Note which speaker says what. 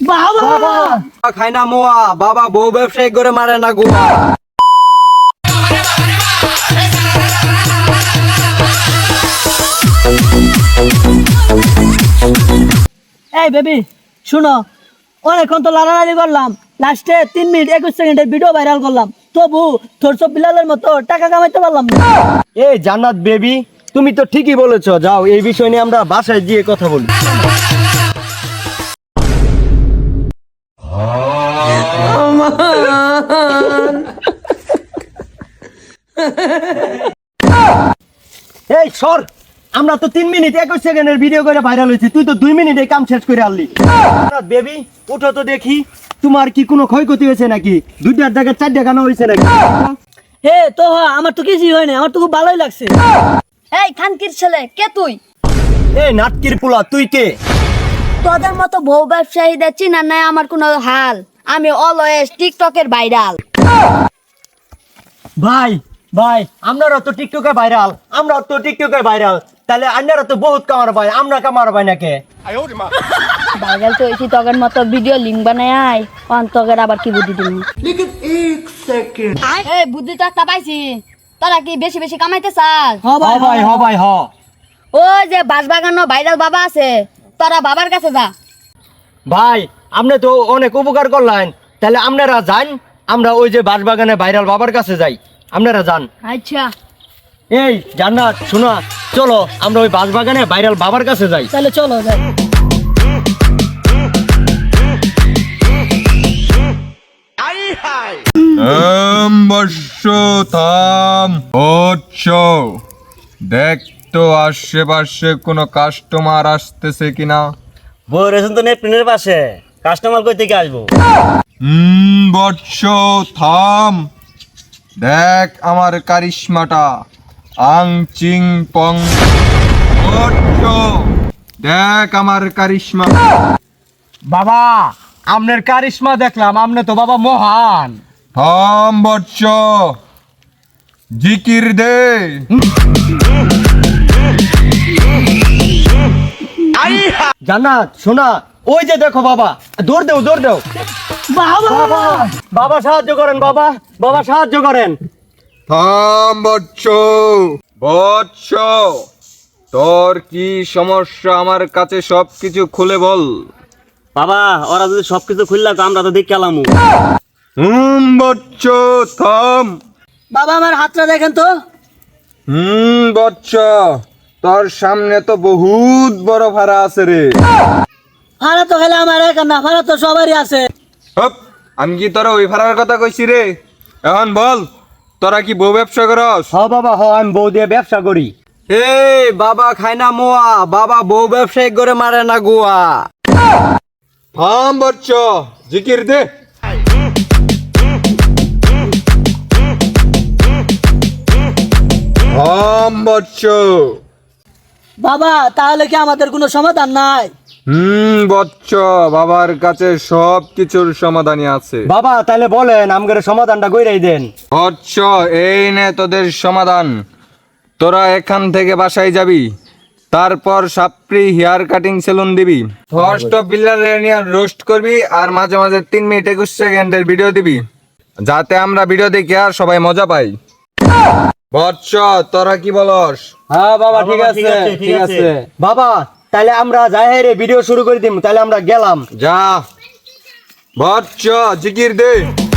Speaker 1: বাবা খাই না মোয়া, বাবা বউ ব্যবসায়ী করে মারে না গোয়া।
Speaker 2: এই বেবি শুনো, অনেকক্ষণ তো লাড়ালাড়ি করলাম, লাস্টে 3 মিনিট 21 সেকেন্ডের ভিডিও ভাইরাল করলাম, তবু তোর সব বিলালের মতো টাকা কামাইতে পারলাম না।
Speaker 1: এই জান্নাত বেবি, তুমি তো ঠিকই বলেছো, যাও এই বিষয় নিয়ে আমরা বাসায় গিয়ে কথা বলি। এই সর, আমরা তো 3 মিনিট 21 সেকেন্ডের ভিডিও করে ভাইরাল হয়েছি, তুই তো 2 মিনিটে কাম শেষ করে আনলি। বেবি উঠো তো দেখি, তোমার কি কোনো ক্ষয়ক্ষতি হয়েছে নাকি? 2টার জায়গায় 4টা গানা হয়েছে নাকি?
Speaker 2: হে তো আমার তো কিছুই হয়নি, আমার তো খুব ভালোই লাগছে।
Speaker 3: এই খানকির ছেলে, কে তুই?
Speaker 1: এই নাটকির পোলা, তুই কে?
Speaker 3: তোদের মতো বউ ব্যবসায়ীদের চিনার নাই আমার কোনো হাল। আমি অলওয়েজ টিকটকের ভাইরাল।
Speaker 1: ভাই ভাই, আমরাও তো টিকটকে ভাইরাল, আমরাও তো টিকটকে ভাইরাল, তাহলে আপনারা তো বহুত কামার ভাই, আমরা কামার ভাই নাকি?
Speaker 3: ভাইরাল তো হয়েছি, তগের মতো ভিডিও লিঙ্ক বানায় আয়, তগের আবার কি বুদ্ধি দিবি? এই বুদ্ধি তো একটা পাইছি, তোরা কি বেশি বেশি কামাইতে চাস?
Speaker 1: হ ভাই হ।
Speaker 3: ওই যে বাঁশবাগানো ভাইরাল বাবা আছে, তোরা বাবার কাছে যা।
Speaker 1: ভাই আপনি তো অনেক উপকার করলেন, তাহলে আপনারা যান, আমরা ওই যে বাঁশবাগানে ভাইরাল বাবার কাছে যাই, আপনারা যান।
Speaker 3: আচ্ছা
Speaker 1: এই জান্নাত শোনা, চলো আমরা ওই বাঁশবাগানে ভাইরাল বাবার কাছে যাই।
Speaker 2: তাহলে চলো যাই।
Speaker 4: বর্ষ থাম হচ্ছ, দেখ তো আশেপাশে কোনো কাস্টমার আসতেছে কিনা।
Speaker 1: বউ রেশন তো নেটপ্রিন্টের পাশে, কাস্টমার কই থেকে আসবো?
Speaker 4: বর্ষ থাম, দেখ আমার কারিশমাটা, আং চিং পং। বর্ষ দেখ আমার কারিশমা।
Speaker 1: বাবা আপনার কারিশমা দেখলাম, আপনি তো বাবা মহান।
Speaker 4: থাম বর্ষ, জিকির দে।
Speaker 1: জান্নাত শোনা, ওই যে দেখো বাবা, দৌড় দেও। বাবা বাবা সাহায্য করেন, বাবা সাহায্য করেন।
Speaker 4: থাম বৎস, বৎস তোর কি সমস্যা আমার কাছে সবকিছু খুলে বল।
Speaker 1: বাবা ওরা যদি সবকিছু খুললা তো আমরা তো দেখে এলাম।
Speaker 4: বৎস থাম।
Speaker 2: বাবা আমার হাতটা দেখেন তো।
Speaker 4: বৎস তোর সামনে তো বহুত বড় ভাড়া আছে রে।
Speaker 2: ভাড়া তো খেলে আমার একা না, ভাড়া তো সবারই আছে।
Speaker 4: হপ, আমি কি তোরা ওই ভাড়ার কথা কইছি রে? এখন বল, তোরা কি বউ ব্যবসা করস?
Speaker 1: হ বাবা হ, আমি বউ দিয়ে ব্যবসা করি। এই বাবা খাই না মোয়া, বাবা বউ ব্যবসায়ী করে মারে না গোয়া।
Speaker 4: থাম বৎস, জিকির দে। থাম বৎস।
Speaker 2: বাবা তাহলে কি আমাদের কোনো সমাধান নাই?
Speaker 4: বৎস, বাবার কাছে সব কিছুর সমাধানই আছে।
Speaker 1: বাবা তাহলে বলেন, আমগের সমাধানটা কইরাই দেন।
Speaker 4: বৎস, এই নে তোদের সমাধান। তোরা এখান থেকে বাসায় যাবি, তারপর সাপ্রি হেয়ার কাটিং সেলুন দিবি, ফার্স্ট অফ বিল্লার রোস্ট করবি, আর মাঝে মাঝে 3 মিনিট 21 সেকেন্ডের ভিডিও দিবি, যাতে আমরা ভিডিও দেখে আর সবাই মজা পাই। বৎস তোরা কি বলস?
Speaker 1: হ্যাঁ বাবা ঠিক আছে। বাবা তাহলে আমরা যাই রে, ভিডিও শুরু করে দিম, তাহলে আমরা গেলাম।
Speaker 4: যা বৎস, জিকির দে।